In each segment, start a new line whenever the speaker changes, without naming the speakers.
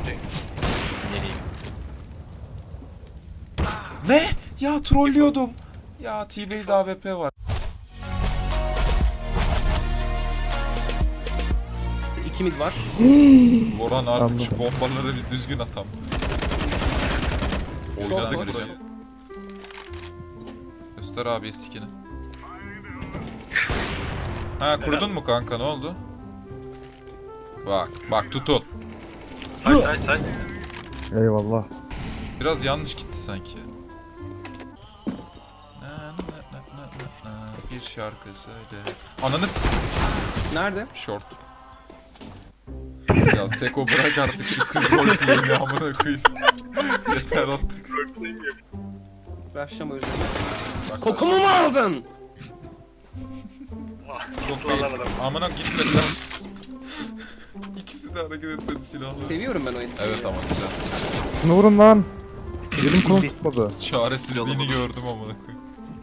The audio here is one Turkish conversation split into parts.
Nereye?
Ne? Ya trollüyordum. Ya T-Base AWP var.
İkimiz var.
Boran artık
Anladım.
şu bombaları bir düzgün atam. Oynadık
Çok
buraya. Göster abi skin'i. Ha kurdun mu kanka, ne oldu? Bak tutun.
Say.
Eyvallah.
Biraz yanlış gitti sanki. Bir şarkı söyle. Ananız
Nerede?
short. Ya Seko bırak artık şu kız roleplay'ini amına koyayım. Yeter artık.
Başlama özür
Bak,
Kokumu mu aldın?
Çok iyi. Amına gitmediler. İkisi de hareket etmedi silahla.
Seviyorum ben oyunu.
Evet ama güzel.
Şunu vurun lan. Elim konu tutmadı.
Çaresizliğini gördüm amına koyayım.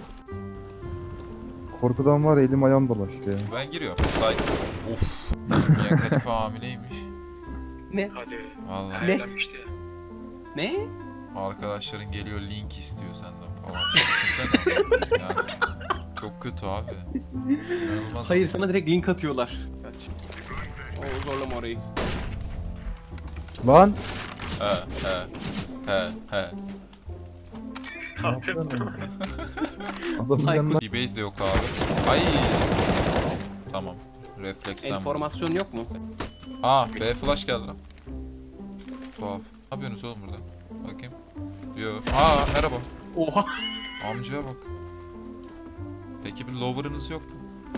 Korkudan var ya, elim ayağım dolaştı ya.
Ben giriyorum. Say. Of. Mia Khalifa hamileymiş.
Ne?
Hadi.
Vallahi.
Ne?
Evlenmişti ya.
Ne?
Arkadaşların geliyor link istiyor senden falan. Düşünsene. Yani çok kötü abi. İnanılmaz.
Hayır sana direkt link atıyorlar. Kaç. Oo, zorlama orayı.
Lan.
He.
Ne yapıyorsun lan? Adamın
Psycho.
yanına
D-Base de yok abi. Ay. Tamam. Refleksten vurdum.
Enformasyon yok mu?
Aa, B flash geldi lan. Tuhaf. Ne yapıyorsunuz oğlum burada? Bakayım. Yo. Aa, merhaba.
Oha.
Amcaya bak. Peki bir lower'ınız yok mu?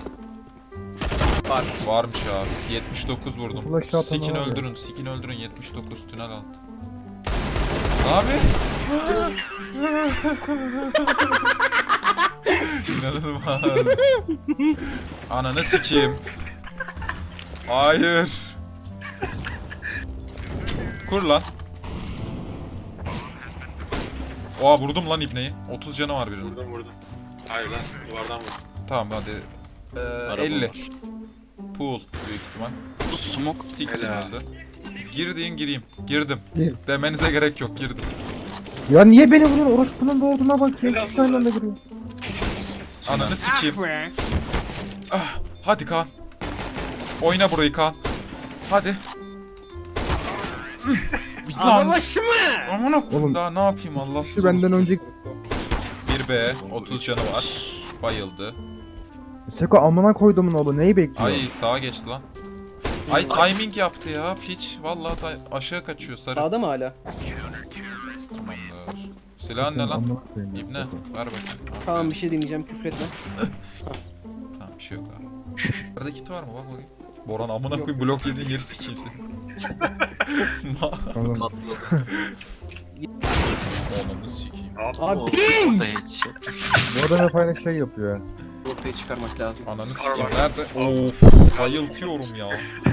Var.
Varmış abi. 79 vurdum.
Flash atan
Sikin
abi.
öldürün, sikin öldürün. 79 tünel altı. Abi. İnanılmaz. Ananı sikeyim. Hayır. Kur lan. Oha vurdum lan ibneyi. 30 canı var birinin.
Vurdum. Hayır lan duvardan vurdum.
Tamam hadi.
Araba
50.
var.
Pool büyük ihtimal.
Bu smoke.
Siktir
Helal.
öldü. Gireyim. Girdim.
Gir.
Demenize gerek yok, girdim.
Ya niye beni vuruyorsun? Orospunun doğduğuna bak ya. İki aynı anda giriyor.
Ananı sikeyim. Ah, hadi Kaan. Oyna burayı Kaan. Hadi. Lan.
Başımı.
Aman
Oğlum,
daha ne yapayım Allah
Şu benden önce...
1B 30 canı var. Bayıldı.
Seko amına koydumun oğlu, neyi bekliyor?
Ay sağa geçti lan. Ay timing yaptı ya piç. Vallahi aşağı kaçıyor sarı.
Sağda mı hala?
Tamamdır. Silahın ne lan?
Amına koyayım ya,
İbne.
Seko.
Ver bakayım.
Tamam bir şey deneyeceğim küfretme.
Tamam bir şey yok abi. Nerede kit var mı bak bakayım. Boran amına koyayım blok yediğin yeri sikeyim seni.
Tamam.
Ananı sikeyim.
Abi
Bu adam hep aynı şey yapıyor ya.
ortaya çıkarmak lazım.
Ananı sikeyim nerede? Of bayıltıyorum ya.